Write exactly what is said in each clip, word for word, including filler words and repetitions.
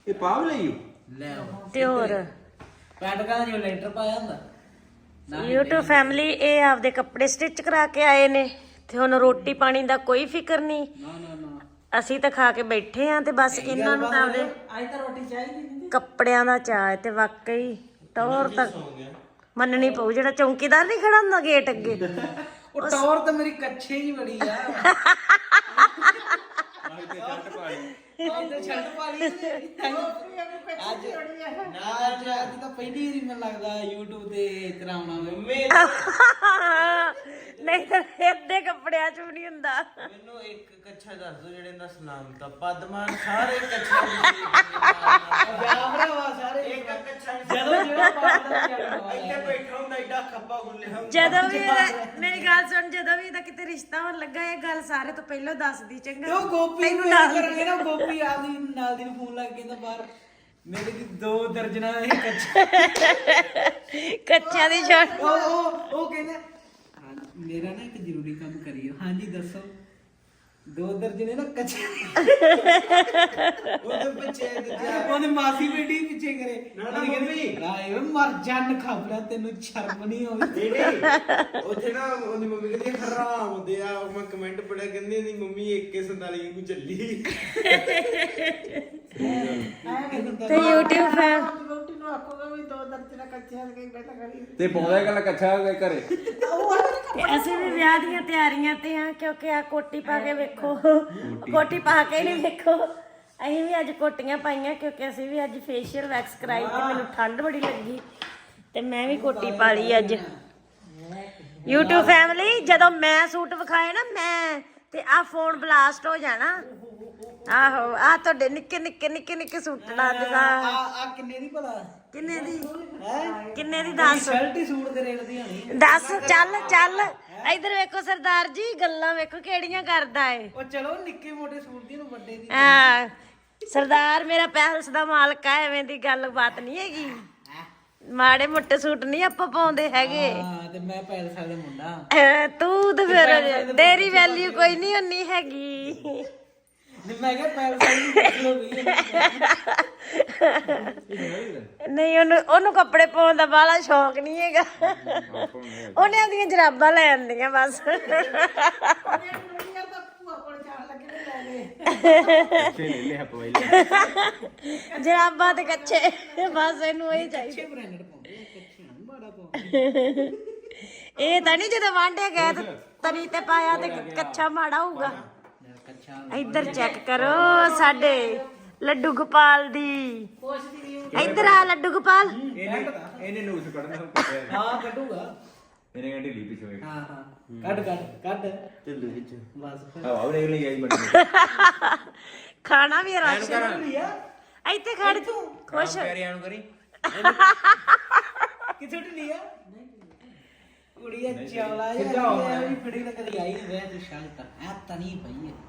ਇਹ ਪਾਵ ਲਈਓ ਲੈ ਤੇ ਹੋਰ ਪੈਂਟ ਕਾ ਜੋ ਲੈਂਟਰ ਪਾਇਆ ਹੁੰਦਾ YouTube ਫੈਮਿਲੀ ਇਹ ਆਪਦੇ ਕੱਪੜੇ ਸਟਿਚ ਕਰਾ ਕੇ ਆਏ ਨੇ ਤੇ ਹੁਣ ਰੋਟੀ ਪਾਣੀ ਦਾ ਕੋਈ ਫਿਕਰ ਨਹੀਂ। ਨਾ ਨਾ ਨਾ ਅਸੀਂ ਤਾਂ ਖਾ ਕੇ ਬੈਠੇ ਆਂ ਤੇ ਬਸ ਇਹਨਾਂ ਨੂੰ ਤਾਂ ਆਪਦੇ ਅੱਜ ਤਾਂ ਰੋਟੀ ਚਾਹੀਦੀ ਨਹੀਂ ਕੱਪੜਿਆਂ ਦਾ ਚਾਅ ਹੈ ਤੇ ਵਾਕਈ ਟੌਰ ਤੱਕ ਮੰਨਣੀ ਪਊ। ਜਿਹੜਾ ਚੌਂਕੀਦਾਰ ਨਹੀਂ ਖੜਾ ਹੁੰਦਾ ਗੇਟ ਅੱਗੇ, ਉਹ ਟੌਰ ਤਾਂ ਮੇਰੀ ਕੱਛੇ ਜੀ ਬੜੀ ਆ ਅੱਜ ਤੇ ਛੱਡ ਪਾ ਲਈ ਅੱਜ ਨਾ ਅੱਜ ਅੱਜ ਤਾਂ ਪਹਿਲੀ ਵਾਰੀ ਮੈਨੂੰ ਲੱਗਦਾ YouTube ਤੇ ਕਰਾਉਣਾ ਮੈਂ ਨਹੀਂ ਤਾਂ ਇਹਦੇ ਕੱਪੜਿਆਂ ਚ ਵੀ ਨਹੀਂ ਹੁੰਦਾ। ਮੈਨੂੰ ਇੱਕ ਕੱਛਾ ਦੱਸ ਦੋ ਜਿਹੜੇ ਦਾ ਸਲਾਮ ਤਾਂ ਪਦਮਾਨ ਸਾਰੇ ਕੱਛੇ ਜਾਮਰਾ ਵਾ ਸਾਰੇ ਇੱਕ ਕੱਛਾ ਜਦੋਂ ਜਿਹੜਾ ਪਾਉਂਦਾ ਚੱਲਦਾ ਇੱਥੇ ਬੈਠਾ ਹੁੰਦਾ ਏਡਾ ਖੱਪਾ ਗੁੱਲਿਆ ਜਦੋਂ ਵੀ ਇਹਦਾ ਮੇਰੀ ਗੱਲ ਸੁਣ, ਜਦੋਂ ਵੀ ਇਹਦਾ ਕਿਤੇ ਰਿਸ਼ਤਾ ਹੋਣ ਲੱਗਾ ਇਹ ਗੱਲ ਸਾਰੇ ਤੋਂ ਪਹਿਲਾਂ ਦੱਸਦੀ ਚੰਗਾ। ਉਹ ਗੋਪੀ ਨੂੰ ਇਹ ਕਰਾਂਗੇ ਨਾ ਗੋਪੀ ਆਦੀ ਨਾਲ ਦੀ ਨੂੰ ਫੋਨ ਲੱਗ ਕੇ ਤਾਂ ਬਾਹਰ ਮੇਰੇ ਦੀ ਦੋ ਦਰਜਨਾਂ ਇਹ ਕੱਛੇ ਕੱਚਿਆਂ ਦੀ ਛੋਟ ਉਹ ਉਹ ਉਹ ਕਹਿੰਦਾ ਹਾਂ ਮੇਰਾ ਨਾ ਇੱਕ ਜ਼ਰੂਰੀ ਕੰਮ ਕਰਿਓ। ਹਾਂਜੀ ਦੱਸੋ। ਦੋ ਦਰਜਨੇ ਨਾ ਕੱਛੇ ਉਹਦੇ ਪਿੱਛੇ ਉਹਦੇ ਮਾਸੀ ਬੇਟੀ ਪਿੱਛੇ ਕਰੇ ਨਾ ਨਾ ਮੰਮੀ ਰਾਏ ਮਰ ਜਨ ਖਾਪੜਾ ਤੈਨੂੰ ਸ਼ਰਮ ਨਹੀਂ ਆਉਂਦੀ ਨਹੀਂ ਉੱਥੇ ਨਾ ਉਹਦੀ ਮੰਮੀ ਕਹਿੰਦੀ ਹਰਾਮ ਹੁੰਦੇ ਆ। ਮੈਂ ਕਮੈਂਟ ਪੜਿਆ ਕਹਿੰਦੀ ਇਹਦੀ ਮੰਮੀ ਇੱਕ ਸੰਤਾਲੀ ਨੂੰ ਚੱਲੀ ਤੇ YouTube ਫੈਨ ਰੋਟੀ ਨੂੰ ਆਖੋਗਾ ਵੀ ਦੋ ਦਰਜਨਾਂ ਕੱਚਿਆਂ ਦੇ ਬੈਠਾ ਕਰੀ ਤੇ ਪਾਉਂਦਾ ਗੱਲ ਕੱਛਾ ਘਰੇ। ਤੇ ਅਸੀਂ ਵੀ ਵਿਆਹ ਦੀਆਂ ਤਿਆਰੀਆਂ ਤੇ ਆ ਕਿਉਂਕਿ ਆ ਕੋਟੀ ਪਾ ਕੇ ਵੇਖੋ, ਕੋਟੀ ਪਾ ਕੇ ਨਹੀਂ ਵੇਖੋ। ਅਸੀਂ ਵੀ ਅੱਜ ਕੋਟੀਆਂ ਪਾਈਆਂ ਕਿਉਂਕਿ ਅਸੀਂ ਵੀ ਅੱਜ ਫੇਸ਼ੀਅਲ ਵੈਕਸ ਕਰਾਈ ਤੇ ਮੈਨੂੰ ਠੰਡ ਬੜੀ ਲੱਗੀ ਤੇ ਮੈਂ ਵੀ ਕੋਟੀ ਪਾ ਲਈ ਅੱਜ। YouTube ਫੈਮਿਲੀ ਜਦੋਂ ਮੈਂ ਸੂਟ ਵਿਖਾਏ ਨਾ ਮੈਂ ਤੇ ਆ ਫੋਨ ਬਲਾਸਟ ਹੋ ਜਾਣਾ। ਆਹੋ ਆ ਤੁਹਾਡੇ ਨਿੱਕੇ ਨਿੱਕੇ ਨਿੱਕੇ ਨਿੱਕੇ ਸੂਟਾਂ ਦੇ ਆ ਆ ਕਿੰਨੇ ਦੀ ਭਲਾ ਕਿੰਨੇ ਦੀ ਹੈ ਕਿੰਨੇ ਦੀ ਦੱਸ ਸ਼ਰਟ ਹੀ ਸੂਟ ਦੇ ਰੇਟ ਦੀ ਹੋਣੀ। ਦੱਸ ਚੱਲ ਚੱਲ ਇਧਰ ਵੇਖੋ ਸਰਦਾਰ ਜੀ ਗੱਲਾਂ ਵੇਖੋ ਕਿਹੜੀਆਂ ਕਰਦਾ ਏ। ਉਹ ਚਲੋ ਨਿੱਕੇ ਮੋਟੇ ਸੂਟ ਦੀ ਨੂੰ ਵੱਡੇ ਦੀ ਹਾਂ ਸਰਦਾਰ ਮੇਰਾ ਪੈਲਸ ਦਾ ਮਾਲਕ ਆ, ਐਵੇਂ ਦੀ ਗੱਲ ਬਾਤ ਨਹੀਂ ਹੈਗੀ। ਮਾੜੇ ਮੋਟੇ ਸੂਟ ਨਹੀਂ ਆਪਾਂ ਪਾਉਂਦੇ ਹੈਗੇ। ਹਾਂ ਤੇ ਮੈਂ ਪੈਲਸ ਵਾਲਾ ਮੁੰਡਾ ਅਹ ਤੂੰ ਤੇ ਫਿਰ ਤੇਰੀ ਵੈਲਿਊ ਕੋਈ ਨਹੀਂ ਉਨੀ ਹੈਗੀ। ਜੇ ਮੈਂ ਕਿਹਾ ਪੈਲਸ ਵਾਲੀ ਨੂੰ ਪੁੱਛ ਲਓ ਵੀ ਨਹੀਂ ਉਹਨੂੰ ਉਹਨੂੰ ਕੱਪੜੇ ਪਾਉਣ ਦਾ ਬਾਹਲਾ ਸ਼ੌਕ ਨਹੀਂ ਹੈਗਾ। ਉਹਨੇ ਆਪਦੀਆਂ ਜਰਾਬਾਂ ਲੈ ਆਂਦੀਆਂ ਬਸ। ਕੱਛੇ ਲੈ ਲਿਆ ਪਵਾਈ ਜਰਾਬਾਂ ਤੇ ਕੱਚੇ ਬਸ ਇਹਨੂੰ ਇਹੀ ਚਾਹੀਦਾ। ਅੱਛੇ ਬ੍ਰਾਂਡਡ ਪਾਉਂਦੇ ਆ ਕੱਛੇ ਨਹੀਂ ਮਾੜਾ ਪਾਉਂਦੇ। ਇਹ ਤਾਂ ਨਹੀਂ ਜਦੋਂ ਵਾਂਢੇ ਗਏ ਤੇ ਤਰੀ ਤੇ ਪਾਇਆ ਤੇ ਕੱਚਾ ਮਾੜਾ ਹੋਊਗਾ। ਇੱਧਰ ਚੈੱਕ ਕਰੋ ਸਾਡੇ ਲੱਡੂ ਗੋਪਾਲ ਦੀ। ਇੱਧਰ ਆ ਲੱਡੂ ਗੋਪਾਲ। ਇਹਨੇ ਇਹਨੇ ਨੂਸ ਕੱਢਣਾ ਹਾਂ ਕੱਢੂਗਾ। ਇਹਨੇ ਕਹਿੰਦੀ ਲੀ ਪਿਛੋਏ ਹਾਂ ਹਾਂ ਕੱਢ ਕੱਢ ਕੱਢ ਢਿੱਲੂ ਵਿੱਚ ਬਸ ਹਵਾ ਬਰੇਕ ਲਈ ਆਈ ਬੰਦੇ ਖਾਣਾ ਵੀ ਰਾਸ਼ਨ ਲਿਆ ਇੱਥੇ ਖੜ ਤੂੰ ਖੁਸ਼ ਪਿਆਰਿਆਂ ਨੂੰ ਕਰੀ ਕਿੱਥੇ ਲਿਆ ਕੁੜੀਆ ਚੌਲਾ ਜਿਹਾ ਵੀ ਫੜੀ ਤਾਂ ਕਦੀ ਆਈ ਨਹੀਂ ਵੇ ਤੂੰ ਸ਼ਾਂਤ ਆ ਤਾਂ ਨਹੀਂ ਪਈ ਹੈ।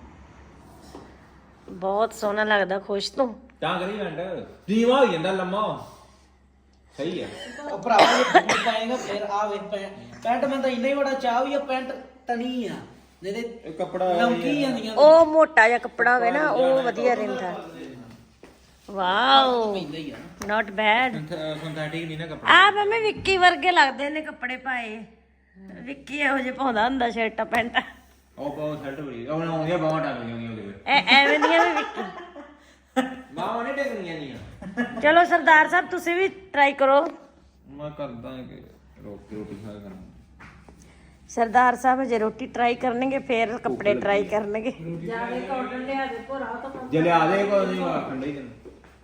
ਬਹੁਤ ਸੋਹਣਾ ਲੱਗਦਾ ਖੁਸ਼ ਤੂੰ ਤਾਂ ਕਰੀ ਵੰਡ ਦੀਵਾ ਹੋ ਜਾਂਦਾ ਲੰਮਾ ਸਹੀ ਹੈ। ਉਹ ਭਰਾਵਾ ਜੇ ਬੂਟ ਪਾਏਗਾ ਫਿਰ ਆ ਵੇ ਪੈਂਟ ਮੈਂ ਤਾਂ ਇੰਨਾ ਹੀ ਬੜਾ ਚਾਹ ਵੀ ਆ ਪੈਂਟ ਤਣੀ ਆ ਨਹੀਂ ਤੇ ਇਹ ਕੱਪੜਾ ਲੰਕੀ ਜਾਂਦੀਆਂ ਉਹ ਮੋਟਾ ਜਿਹਾ ਕੱਪੜਾ ਹੋਵੇ ਨਾ ਉਹ ਵਧੀਆ ਰਹਿੰਦਾ। ਵਾਓ ਪੈਂਦਾ ਹੀ ਆ ਨਾਟ ਬੈਡ। ਸਿੰਥੈਟਿਕ ਨਹੀਂ ਨਾ ਕੱਪੜਾ। ਆ ਮੰਮੀ ਵਿੱਕੀ ਵਰਗੇ ਲੱਗਦੇ ਨੇ ਕੱਪੜੇ ਪਾਏ। ਵਿੱਕੀ ਇਹੋ ਜਿਹੇ ਪਾਉਂਦਾ ਹੁੰਦਾ ਸ਼ਰਟਾਂ ਪੈਂਟਾਂ। ਉਹ ਬਹੁਤ ਸ਼ਰਟ ਬੜੀ ਉਹ ਆਉਂਦੀਆਂ ਬਾਹਾਂ ਟੰਗ ਗਈਆਂ ਉਹਦੇ ਵਿੱਚ ਐ ਐਵੇਂ ਦੀਆਂ ਵੀ ਵਿੱਕੀ। ਬਾਹਾਂ ਨਹੀਂ ਟੰਗੀਆਂ ਨਹੀਂ। ਚਲੋ ਸਰਦਾਰ ਸਾਹਿਬ ਤੁਸੀਂ ਵੀ ਟਰਾਈ ਕਰੋ। ਮੈਂ ਕਰਦਾ ਕਿ ਰੋਟੀ ਰੋਟੀ ਖਾ ਕਰਾਂ। ਸਰਦਾਰ ਸਾਹਿਬ ਜੇ ਰੋਟੀ ਟਰਾਈ ਕਰਨਗੇ ਫੇਰ ਕੱਪੜੇ ਟਰਾਈ ਕਰਨਗੇ। ਜੇ ਲਿਆ ਦੇ ਕੋਈ ਨਹੀਂ ਆਖਣ ਡਈ ਤੈਨੂੰ।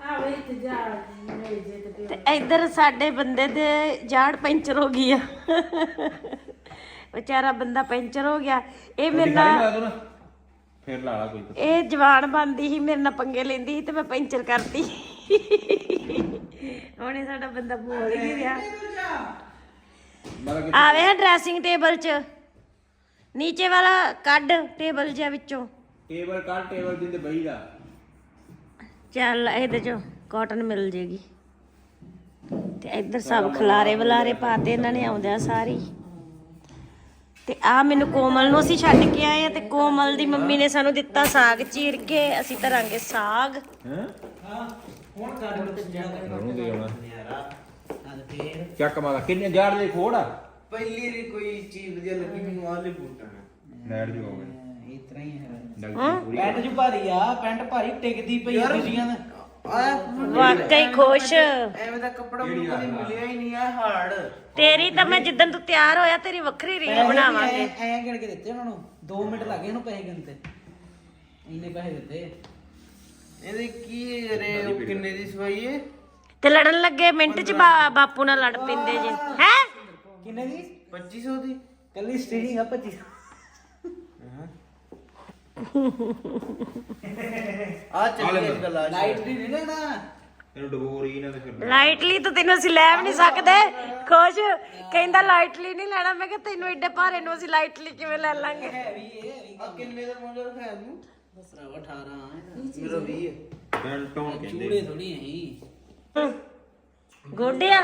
ਤੇ ਇੱਧਰ ਸਾਡੇ ਬੰਦੇ ਦੇ ਜਾੜ ਪੈਂਚਰ ਹੋ ਗਈ ਆ। ਵਿਚਾਰਾ ਬੰਦਾ ਪੈਂਚਰ ਹੋ ਗਿਆ। ਇਹ ਮੇਰੇ ਨਾਲ ਫੇਰ ਲਾ ਲਾ ਕੋਈ ਇਹ ਜਵਾਨ ਬਣਦੀ ਸੀ ਮੇਰੇ ਨਾਲ ਪੰਗੇ ਲੈਂਦੀ ਸੀ ਤੇ ਮੈਂ ਪੈਂਚਰ ਕਰਤੀ। ਉਹਨੇ ਸਾਡਾ ਬੰਦਾ ਬੋਲ ਹੀ ਰਿਹਾ। ਆਵੇ ਹਾਂ ਡਰੈਸਿੰਗ ਟੇਬਲ 'ਚ ਨੀਚੇ ਵਾਲਾ ਕੱਢ ਟੇਬਲ ਜਿਹਾ ਵਿੱਚੋਂ। ਟੇਬਲ ਕੱਢ ਟੇਬਲ ਜਿੰਦੇ ਬਈ ਦਾ ਚੱਲ ਇਹਦੇ 'ਚੋਂ ਕਾਟਨ ਮਿਲ ਜੇਗੀ। ਤੇ ਇੱਧਰ ਸਭ ਖਲਾਰੇ ਵਲਾਰੇ ਪਾਤੇ ਇਹਨਾਂ ਨੇ ਆਉਂਦਿਆਂ ਸਾਰੀ। ਤੇ ਆ ਮੈਨੂੰ ਕੋਮਲ ਨੂੰ ਅਸੀਂ ਛੱਡ ਕੇ ਆਏ ਆ ਤੇ ਕੋਮਲ ਦੀ ਮੰਮੀ ਨੇ ਸਾਨੂੰ ਦਿੱਤਾ ਸਾਗ ਚੀਰ ਕੇ। ਅਸੀਂ ਧਰਾਂਗੇ ਸਾਗ। ਹੈ ਹੁਣ ਕਰ ਲੋ ਉਹਨੂੰ ਦੇ ਆਉਣਾ ਯਾਰ ਆ ਫੇਰ ਚੱਕ ਮਾਰਾ ਕਿੰਨੇ ਹਜ਼ਾਰ ਦੇ ਖੋੜ ਆ ਪਹਿਲੀ ਰੀ ਕੋਈ ਚੀਜ਼ ਵਧੀਆ ਲੱਗੀ ਮੈਨੂੰ ਆਲੇ ਬੂਟਾਂ ਲੈਟ ਜੋ ਹੋ ਗਏ ਇਸ ਤਰ੍ਹਾਂ ਹੀ ਹੈ ਡਾਕਟਰ ਪੂਰੀ ਪੈਂਟ ਜੂ ਭਾਰੀ ਆ ਪੈਂਟ ਭਾਰੀ ਟਿਕਦੀ ਪਈ ਆ ਦੂਜੀਆਂ ਦਾ ਆ ਵਾਕਈ ਖੁਸ਼ ਐਵੇਂ ਦਾ ਕੱਪੜਾ ਮੈਨੂੰ ਕਦੇ ਮਿਲਿਆ ਹੀ ਨਹੀਂ ਆ ਹਾਰਡ ਤੇਰੀ ਤਾਂ ਮੈਂ ਜਿੱਦਣ ਤੂੰ ਤਿਆਰ ਹੋਇਆ ਤੇਰੀ ਵੱਖਰੀ ਰੀਲ ਬਣਾਵਾਂਗੇ ਐ ਗਿਣ ਕੇ ਦਿੱਤੇ ਉਹਨਾਂ ਨੂੰ ਦੋ ਮਿੰਟ ਲੱਗੇ ਇਹਨੂੰ ਪੈਸੇ ਗਿਣਤੇ ਇੰਨੇ ਪੈਸੇ ਦਿੱਤੇ ਇਹਦੇ ਕੀ ਰੇ ਕਿੰਨੇ ਦੀ ਸਵਾਈ ਏ ਤੇ ਲੜਨ ਲੱਗੇ ਮਿੰਟ ਚ ਬਾ- ਬਾਪੂ ਨਾਲ ਲੜ ਪਿੰਦੇ ਜੇ ਹੈ ਕਿੰਨੇ ਦੀ ਪੱਚੀ ਸੌ ਦੀ ਕੱਲੀ ਸਟੀਰਿੰਗ ਆ ਪੱਚੀ ਆ ਚੱਲੀ ਇਸ ਗੱਲ ਆ ਲਾਈਟ ਦੀ ਨਹੀਂ ਲੈਣਾ ਇਹਨੂੰ ਡਬੋ ਰਹੀ ਨਾ ਤੇ ਫਿਰ ਲਾਈਟਲੀ ਤਾਂ ਤੈਨੂੰ ਅਸੀਂ ਲੈ ਵੀ ਨਹੀਂ ਸਕਦੇ ਖੁਸ਼ ਕਹਿੰਦਾ ਲਾਈਟਲੀ ਨਹੀਂ ਲੈਣਾ ਮੈਂ ਕਿਹਾ ਤੈਨੂੰ ਏਡੇ ਭਾਰੇ ਨੂੰ ਅਸੀਂ ਲਾਈਟਲੀ ਕਿਵੇਂ ਲੈ ਲਾਂਗੇ ਹੈਵੀ ਇਹ ਆ ਕਿੰਨੇ ਦਾ ਮੋਜਾ ਰਖਾਇਆ ਤੂੰ ਦਸਰਾ ਅਠਾਰਾਂ ਮੇਰਾ ਵੀਹ ਹੈ ਬੈਲਟੋਂ ਚੂੜੇ ਕਹਿੰਦੇ ਥੋੜੀ ਨਹੀਂ ਗੋਡਿਆ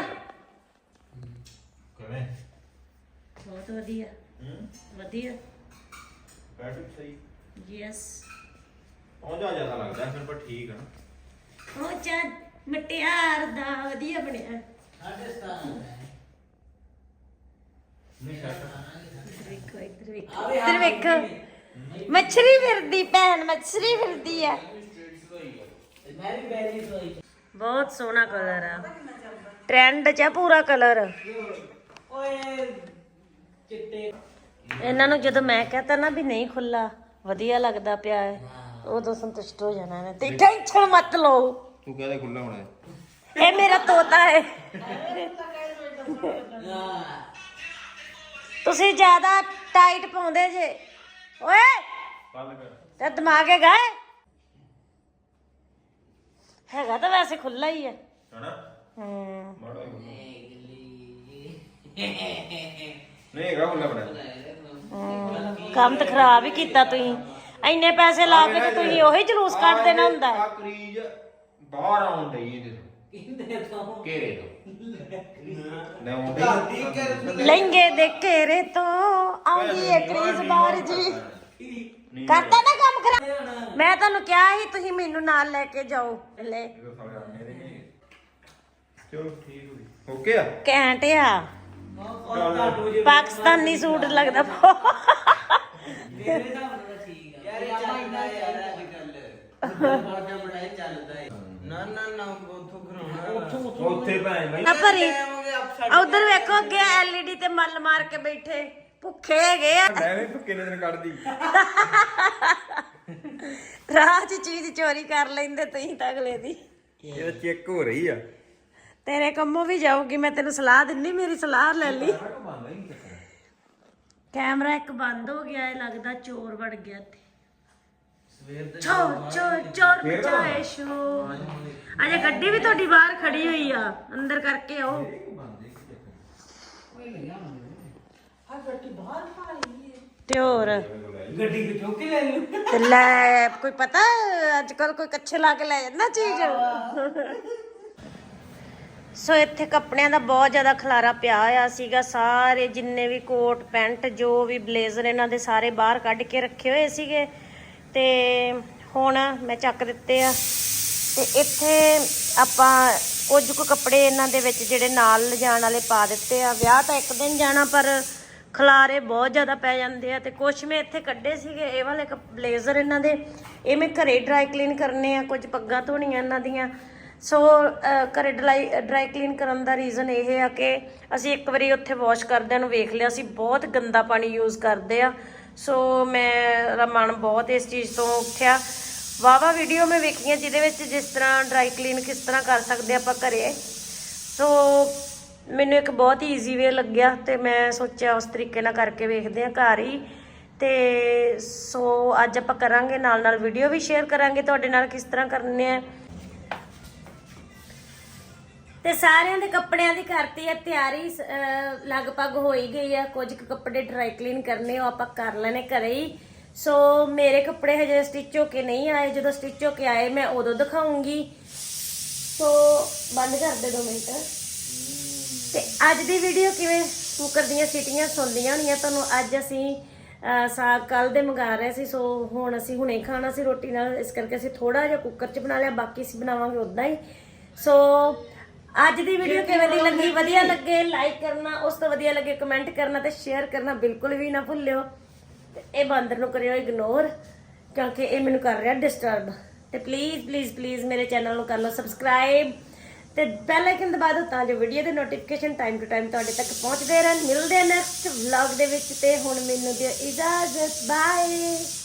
ਕਿਵੇਂ ਬਹੁਤ ਵਧੀਆ ਵਧੀਆ ਬੈਟਰੀ ਸਹੀ ਯੈਸ ਉਹ ਜਾ ਜਿਆਦਾ ਲੱਗਦਾ ਫਿਰ ਪਰ ਠੀਕ ਆ ਨਾ ਉਹ ਚਾ ਮਟਿਆਰ ਦਾ ਵਧੀਆ ਬਣਿਆ ਸਾਡੇ ਸਤਾਨ ਨਹੀਂ ਸ਼ਰਟ ਵੇਖੋ ਇੱਧਰ ਵੇਖੋ ਇੱਧਰ ਵੇਖੋ ਮੱਛਰੀ ਫਿਰਦੀ ਭੈਣ ਮੱਛਰੀ ਫਿਰਦੀ ਆ ਮੈਂ ਵੀ ਬੈਰੀ ਸੋਈ ਬਹੁਤ ਸੋਹਣਾ ਕਲਰ ਆ ਟ੍ਰੈਂਡ ਚ ਆ ਪੂਰਾ ਕਲਰ ਓਏ ਚਿੱਟੇ ਇਹਨਾਂ ਨੂੰ ਜਦੋਂ ਮੈਂ ਕਹਤਾ ਨਾ ਵੀ ਨਹੀਂ ਖੁੱਲਾ ਵਧੀਆ ਲੱਗਦਾ ਪਿਆ ਹੈ ਉਦੋਂ ਸੰਤੁਸ਼ਟ ਹੋ ਜਾਣਾ ਨੇ ਤੇ ਟੈਨਸ਼ਨ ਮਤ ਲਓ ਤੂੰ ਕਹਦੇ ਖੁੱਲਾ ਹੋਣਾ ਹੈ ਇਹ ਮੇਰਾ ਤੋਤਾ ਹੈ ਤੁਸੀਂ ਜ਼ਿਆਦਾ ਟਾਈਟ ਪਾਉਂਦੇ ਜੇ ਓਏ ਕੱਲ ਕਰ ਤੇ ਦਿਮਾਗ ਹੈਗਾ ਹੈ? ਹੈਗਾ ਤਾਂ ਵੈਸੇ ਖੁੱਲਾ ਹੀ ਹੈ ਹਣਾ ਹੂੰ ਮਾੜਾ ਨਹੀਂ ਹੈਗਾ ਖੁੱਲਾ ਬੜਾ ਹੂੰ। ਕੰਮ ਤਾਂ ਖਰਾਬ ਹੀ ਕੀਤਾ ਤੁਸੀਂ ਇੰਨੇ ਪੈਸੇ ਲਾ ਕੇ ਤੇ ਤੁਸੀਂ ਉਹੀ ਜਲੂਸ ਕੱਢ ਦੇਣਾ ਹੁੰਦਾ ਆ ਕਰੀਜ ਬਾਹਰ ਆਉਣ ਡਈ ਇਹਦੇ ਕਿੰਦੇ ਤੋਂ ਤੋਂ ਘੇਰੇ ਤੋਂ ਲੈ ਆਉਂਦੇ ਲਹਿੰਗੇ ਦੇ ਘੇਰੇ ਤੋਂ ਆਉਂਦੀ ਏ ਕ੍ਰੀਜ਼ ਬਾਹਰ ਜੀ ਕਰਤਾ ਨਾ ਕੰਮ ਖਰਾਬ ਮੈਂ ਤੁਹਾਨੂੰ ਕਿਹਾ ਸੀ ਤੁਸੀਂ ਮੈਨੂੰ ਨਾਲ ਲੈ ਕੇ ਜਾਓ ਲੈ ਚਲੋ ਠੀਕ ਹੋ ਗਈ ਓਕੇ ਆ ਘੈਂਟ ਆ ਪਾਕਿਸਤਾਨੀ ਸੂਟ ਲੱਗਦਾ ਮੇਰੇ ਹਿਸਾਬ ਨਾਲ ਠੀਕ ਆ ਯਾਰ ਆਪਾਂ ਇੰਨਾ ਯਾਰ ਅੱਜ ਕੱਲ ਬਾਜਾ ਬਣਾਏ ਚੱਲਦਾ ਏ ਨਾ ਨਾ ਨਾ ਉਥੋਂ ਘਰਾਉਣਾ ਉੱਥੇ ਭੈਣ ਬਈ ਨਾ ਭਰੀ ਉਧਰ ਵੇਖੋ ਅੱਗੇ ਐਲਈਡੀ ਤੇ ਮੱਲ ਮਾਰ ਕੇ ਬੈਠੇ ਭੁੱਖੇ ਹੈਗੇ ਆ ਮੈਂ ਵੀ ਕਿੰਨੇ ਦਿਨ ਕੱਢਦੀ ਰਾਹ 'ਚ ਚੀਜ਼ ਚੋਰੀ ਕਰ ਲੈਂਦੇ ਤੁਸੀਂ ਤਾਂ ਅਗਲੇ ਦੀ ਇਹ ਚੈੱਕ ਹੋ ਰਹੀ ਆ ਤੇਰੇ ਕੰਮੋਂ ਵੀ ਜਾਊਗੀ ਮੈਂ ਤੈਨੂੰ ਸਲਾਹ ਦਿੰਨੀ ਮੇਰੀ ਸਲਾਹ ਲੈ ਲਈ ਕੈਮਰਾ ਇੱਕ ਬੰਦ ਹੋ ਗਿਆ ਇਹ ਲੱਗਦਾ ਚੋਰ ਵੜ ਗਿਆ ਇੱਥੇ ਸਵੇਰ ਦੇ ਚੋਰ ਚੋਰ ਚੋਰ ਬਚਾਏ ਸ਼ੋ ਅਜੇ ਗੱਡੀ ਵੀ ਤੁਹਾਡੀ ਬਾਹਰ ਖੜੀ ਹੋਈ ਆ ਅੰਦਰ ਕਰਕੇ ਆਓ ਤੇ ਹੋਰ ਗੱਡੀ ਤੇ ਚੁੱਕ ਕੇ ਲੈ ਲੂ ਤੇ ਲੈ ਕੋਈ ਪਤਾ ਅੱਜ ਕੱਲ ਕੋਈ ਕੱਛੇ ਲਾ ਕੇ ਲੈ ਜਾਂਦਾ ਚੀਜ਼ ਸੋ ਇੱਥੇ ਕੱਪੜਿਆਂ ਦਾ ਬਹੁਤ ਜ਼ਿਆਦਾ ਖਲਾਰਾ ਪਿਆ ਹੋਇਆ ਸੀਗਾ ਸਾਰੇ ਜਿੰਨੇ ਵੀ ਕੋਟ ਪੈਂਟ ਜੋ ਵੀ ਬਲੇਜ਼ਰ ਇਹਨਾਂ ਦੇ ਸਾਰੇ ਬਾਹਰ ਕੱਢ ਕੇ ਰੱਖੇ ਹੋਏ ਸੀਗੇ ਤੇ ਹੁਣ ਮੈਂ ਚੱਕ ਦਿੱਤੇ ਆ ਤੇ ਇੱਥੇ ਆਪਾਂ ਕੁਝ ਕੁ ਕੱਪੜੇ ਇਹਨਾਂ ਦੇ ਵਿੱਚ ਜਿਹੜੇ ਨਾਲ ਲਿਜਾਣ ਵਾਲੇ ਪਾ ਦਿੱਤੇ ਆ ਵਿਆਹ ਤਾਂ ਇੱਕ ਦਿਨ ਜਾਣਾ ਪਰ ਖਲਾਰੇ ਬਹੁਤ ਜ਼ਿਆਦਾ ਪੈ ਜਾਂਦੇ ਆ ਤੇ ਕੁਝ ਮੈਂ ਇੱਥੇ ਕੱਢੇ ਸੀਗੇ ਇਹ ਵਾਲੇ ਬਲੇਜ਼ਰ ਇਹਨਾਂ ਦੇ ਇਹ ਮੈਂ ਘਰੇ ਡਰਾਈ ਕਲੀਨ ਕਰਨੇ ਆ ਕੁਝ ਪੱਗਾਂ ਧੋਣੀਆਂ ਇਹਨਾਂ ਦੀਆਂ ਸੋ ਘਰੇ ਡਰਾਈ ਡਰਾਈ ਕਲੀਨ ਕਰਨ ਦਾ ਰੀਜ਼ਨ ਇਹ ਆ ਕਿ ਅਸੀਂ ਇੱਕ ਵਾਰੀ ਉੱਥੇ ਵਾਸ਼ ਕਰਦਿਆਂ ਨੂੰ ਵੇਖ ਲਿਆ ਸੀ ਬਹੁਤ ਗੰਦਾ ਪਾਣੀ ਯੂਜ਼ ਕਰਦੇ ਆ ਸੋ ਮੇਰਾ ਮਨ ਬਹੁਤ ਇਸ ਚੀਜ਼ ਤੋਂ ਉੱਠਿਆ ਵਾਵਾ ਵੀਡੀਓ ਮੈਂ ਵੇਖੀਆਂ ਜਿਹਦੇ ਵਿੱਚ ਜਿਸ ਤਰ੍ਹਾਂ ਡਰਾਈ ਕਲੀਨ ਕਿਸ ਤਰ੍ਹਾਂ ਕਰ ਸਕਦੇ ਆਪਾਂ ਘਰੇ ਸੋ ਮੈਨੂੰ ਇੱਕ ਬਹੁਤ ਹੀ ਈਜ਼ੀ ਵੇ ਲੱਗਿਆ ਤੇ ਮੈਂ ਸੋਚਿਆ ਉਸ ਤਰੀਕੇ ਨਾਲ ਕਰਕੇ ਵੇਖਦੇ ਆ ਘਰ ਹੀ ਤੇ ਸੋ ਅੱਜ ਆਪਾਂ ਕਰਾਂਗੇ ਨਾਲ ਨਾਲ ਵੀਡੀਓ ਵੀ ਸ਼ੇਅਰ ਕਰਾਂਗੇ ਤੁਹਾਡੇ ਨਾਲ ਕਿਸ ਤਰ੍ਹਾਂ ਕਰਨੇ ਆ ਤੇ ਸਾਰਿਆਂ ਦੇ ਕੱਪੜਿਆਂ ਦੀ ਕਰਤੀ ਆ ਤਿਆਰੀ ਲਗਭਗ ਹੋ ਹੀ ਗਈ ਆ ਕੁਝ ਕੁ ਕੱਪੜੇ ਡਰਾਈ ਕਲੀਨ ਕਰਨੇ ਉਹ ਆਪਾਂ ਕਰ ਲੈਣੇ ਘਰੇ ਹੀ ਸੋ ਮੇਰੇ ਕੱਪੜੇ ਹਜੇ ਸਟਿਚ ਹੋ ਕੇ ਨਹੀਂ ਆਏ ਜਦੋਂ ਸਟਿਚ ਹੋ ਕੇ ਆਏ ਮੈਂ ਉਦੋਂ ਦਿਖਾਉਂਗੀ ਸੋ ਬੰਦ ਕਰ ਦੇ ਦੋ ਮਿੰਟ ਤੇ ਅੱਜ ਦੀ ਵੀਡੀਓ ਕਿਵੇਂ ਕੁੱਕਰ ਦੀਆਂ ਸੀਟੀਆਂ ਸੁਣਦੀਆਂ ਹੋਣੀਆਂ ਤੁਹਾਨੂੰ ਅੱਜ ਅਸੀਂ ਸਾਗ ਕੱਲ ਦੇ ਮੰਗਾ ਰਹੇ ਸੀ ਸੋ ਹੁਣ ਅਸੀਂ ਹੁਣੇ ਖਾਣਾ ਸੀ ਰੋਟੀ ਨਾਲ ਇਸ ਕਰਕੇ ਅਸੀਂ ਥੋੜਾ ਜਿਹਾ ਕੁੱਕਰ 'ਚ ਬਣਾ ਲਿਆ ਬਾਕੀ ਅਸੀਂ ਬਣਾਵਾਂਗੇ ਉਦਾਂ ਹੀ ਸੋ ਅੱਜ ਦੀ ਵੀਡੀਓ ਕਿਵੇਂ ਦੀ ਲੱਗੀ? ਵਧੀਆ ਲੱਗੇ ਲਾਈਕ ਕਰਨਾ, ਉਸ ਤੋਂ ਵਧੀਆ ਲੱਗੇ ਕਮੈਂਟ ਕਰਨਾ ਤੇ ਸ਼ੇਅਰ ਕਰਨਾ ਬਿਲਕੁਲ ਵੀ ਨਾ ਭੁੱਲਿਓ। ਤੇ ਇਹ ਬਾਂਦਰ ਨੂੰ ਕਰਿਓ ਇਗਨੋਰ ਕਿਉਂਕਿ ਇਹ ਮੈਨੂੰ ਕਰ ਰਿਹਾ ਡਿਸਟਰਬ। ਤੇ ਪਲੀਜ਼ ਪਲੀਜ਼ ਪਲੀਜ਼ ਮੇਰੇ ਚੈਨਲ ਨੂੰ ਕਰ ਲਓ ਸਬਸਕ੍ਰਾਈਬ ਤੇ ਬੈਲ ਆਈਕਨ ਦਬਾ ਦਿਓ ਤਾਂ ਜੋ ਵੀਡੀਓ ਦੇ ਨੋਟੀਫਿਕੇਸ਼ਨ ਟਾਈਮ ਟੂ ਟਾਈਮ ਤੁਹਾਡੇ ਤੱਕ ਪਹੁੰਚਦੇ ਰਹਿਣ। ਮਿਲਦੇ ਆ ਨੈਕਸਟ ਵਲੌਗ ਦੇ ਵਿੱਚ ਤੇ ਹੁਣ ਮੈਨੂੰ ਦਿਓ ਇਜਾਜ਼ਤ। ਬਾਏ।